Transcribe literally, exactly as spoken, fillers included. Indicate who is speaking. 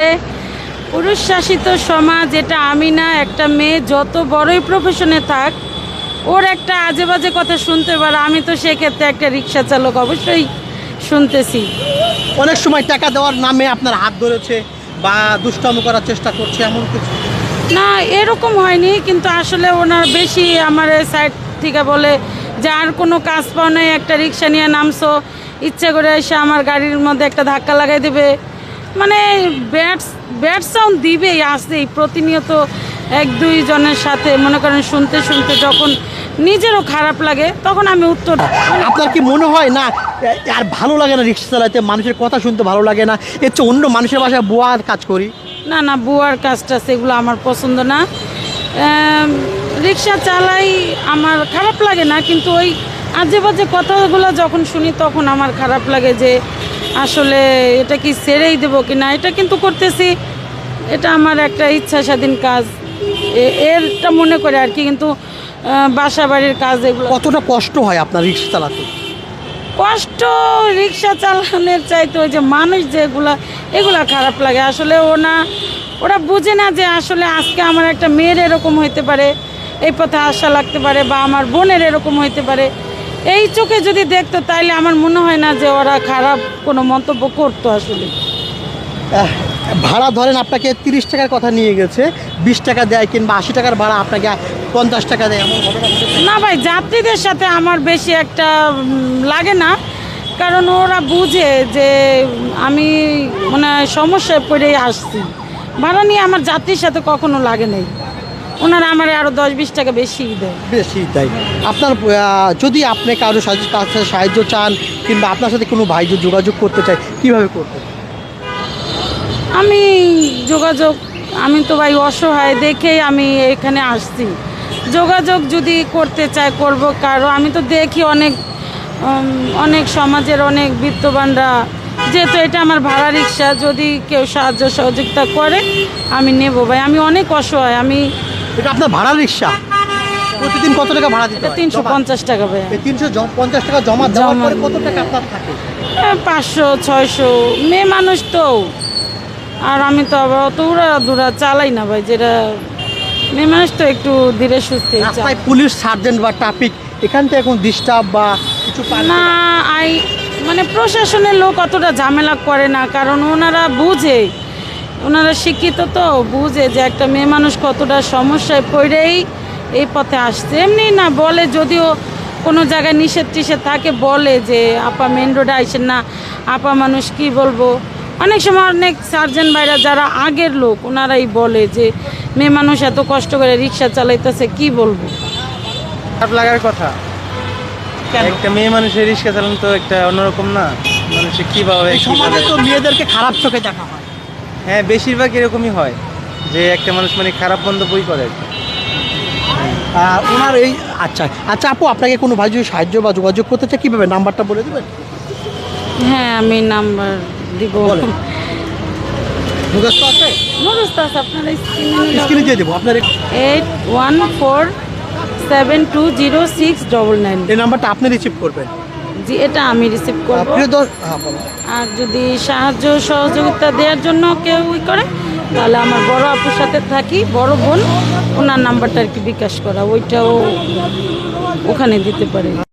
Speaker 1: পুরুষ শাসিত সমাজ, এটা আমি না, একটা মেয়ে যত বড়ই প্রফেশনে থাক ওর একটা আজে বাজে কথা শুনতে পারে। আমি তো সেক্ষেত্রে একটা রিক্সা চালক অবশ্যই শুনতেছি।
Speaker 2: অনেক সময় টাকা দেওয়ার নামে আপনার হাত ধরেছে বা দুষ্টামি করার চেষ্টা করছে এমন কিছু?
Speaker 1: না, এরকম হয়নি, কিন্তু আসলে ওনার বেশি আমার সাইড থেকে বলে যে আর কোনো কাজ পাও নাই, একটা রিক্সা নিয়ে নামছো, ইচ্ছে করে এসে আমার গাড়ির মধ্যে একটা ধাক্কা লাগাই দেবে, মানে ব্যাড ব্যাড সাউন্ড দিবেই, আসতেই প্রতিনিয়ত এক দুই জনের সাথে। মনে করেন শুনতে শুনতে যখন নিজেরও খারাপ লাগে তখন আমি উত্তর।
Speaker 2: আপনার কি মনে হয় না আর ভালো লাগে না রিক্সা চালাতে, মানুষের কথা শুনতে ভালো লাগে না, এর চেয়ে অন্য মানুষের বাসায় বুয়ার কাজ করি?
Speaker 1: না না, বুয়ার কাজটা সেগুলো আমার পছন্দ না। রিক্সা চালাই আমার খারাপ লাগে না, কিন্তু ওই আজে বাজে কথাগুলো যখন শুনি তখন আমার খারাপ লাগে যে আসলে এটা কি ছেড়েই দেবো কি না। এটা কিন্তু করতেছি, এটা আমার একটা ইচ্ছা স্বাধীন কাজ, এরটা মনে করে আর কি। কিন্তু বাসা বাড়ির কাজ এগুলো
Speaker 2: কতটা কষ্ট হয় আপনার রিক্সা চালাতে?
Speaker 1: কষ্ট রিক্সা চালানোর চাইতে ওই যে মানুষ যেগুলা, এগুলা খারাপ লাগে আসলে। ওনা ওরা বুঝে না যে আসলে আজকে আমার একটা মেয়ের এরকম হইতে পারে, এই পথে আশা লাগতে পারে, বা আমার বোনের এরকম হইতে পারে। এই চোখে যদি দেখতো তাইলে আমার মনে হয় না যে ওরা খারাপ কোনো মন্তব্য করতো আসলে।
Speaker 2: ভাড়া ধরেন আপনাকে তিরিশ টাকার কথা নিয়ে গেছে, বিশ টাকা দেয় কিংবা আশি টাকার ভাড়া আপনাকে পঞ্চাশ টাকা দেয়, এমন ঘটনা ঘটেছে?
Speaker 1: না ভাই, যাত্রীদের সাথে আমার বেশি একটা লাগে না, কারণ ওরা বুঝে যে আমি মানে সমস্যায় পড়েই আসছি। ভাড়া নিয়ে আমার যাত্রীর সাথে কখনো লাগে নাই, ওনারা আমার আরও দশ বিশ টাকা বেশি দেয়।
Speaker 2: বেশি তাই? আপনার যদি আপনি কারো কাছে সাহায্য চান কিংবা আপনার সাথে কোনো ভাই যোগাযোগ করতে চায়, কীভাবে করতে?
Speaker 1: আমি যোগাযোগ, আমি তো ভাই অসহায় দেখেই আমি এখানে আসছি। যোগাযোগ যদি করতে চাই করব, কারো আমি তো দেখি অনেক অনেক সমাজের অনেক বিত্তবানরা, যেহেতু এটা আমার ভাড়া রিক্সা, যদি কেউ সাহায্য সহযোগিতা করে আমি নেব ভাই। আমি অনেক অসহায়। আমি
Speaker 2: এটা আপনার ভাড়া রিক্সা, প্রতিদিন কত টাকা ভাড়া দিতে হয়?
Speaker 1: তিনশো পঞ্চাশ টাকা ভাই।
Speaker 2: তিনশো পঞ্চাশ টাকা জমা দেওয়ার পরে কত টাকা আপনার থাকে?
Speaker 1: পাঁচশো ছয়শো, মেয়ে মানুষ তো, আর আমি তো আবার অত উড়া দুরা চালাই না ভাই, যেটা মেয়ে মানুষ তো একটু ধীরে সুস্থে।
Speaker 2: রাস্তায় পুলিশ সার্জেন্ট বা ট্রাফিক এখান থেকে এখন ডিস্টার্ব বা কিছু
Speaker 1: না, আই মানে প্রশাসনের লোক অতটা ঝামেলা করে না, কারণ ওনারা বুঝে, ওনারা শিক্ষিত তো, বুঝে যে একটা মেয়ে মানুষ কতটা সমস্যায় পড়েই এই পথে আসছে। এমনি না বলে, যদিও কোনো জায়গায় নিষেধ টিষেধ থাকে বলে যে আপা মেন রোডে আইসেন না, আপা মানুষ কি বলবো। অনেক সময় অনেক সার্জেন্ট ভাইরা যারা আগের লোক ওনারাই বলে যে মেয়ে মানুষ এত কষ্ট করে রিক্সা চালাইতেছে, কি বলবো।
Speaker 3: খারাপ লাগার কথা, একটা মেয়ে মানুষের রিক্সা চালানো তো একটা অন্যরকম না, মানুষের কীভাবে
Speaker 2: সমাজে তো মেয়েদেরকে খারাপ চোখে দেখা হয়।
Speaker 3: হ্যাঁ, বেশিরভাগ এরকমই হয় যে একটা মানুষ মানে খারাপ মন্তব্যই করে আর কি।
Speaker 2: ওনার এই আচ্ছা আচ্ছা আপু, আপনাকে কোনো ভাই যদি সাহায্য বা যোগাযোগ করতে চায় কীভাবে, নাম্বারটা বলে দেবেন?
Speaker 1: হ্যাঁ, আমি নাম্বার দিব।
Speaker 2: মুখস্থ আছে?
Speaker 1: মুখস্থ আছে, আপনারা
Speaker 2: স্ক্রিনে দিয়ে দেবো আপনার।
Speaker 1: Eight one four seven two zero six double nine.
Speaker 2: এই নাম্বারটা আপনি রিসিভ করবেন?
Speaker 1: জি, এটা আমি রিসিভ করব।
Speaker 2: হ্যাঁ,
Speaker 1: আর যদি সাহায্য সহযোগিতা দেওয়ার জন্য কেউ ই করে, তাহলে আমার বড় আপুর সাথে থাকি, বড় বোন, ওনার নাম্বারটা আর কি বিকাশ করা, ওইটাও ওখানে দিতে পারে।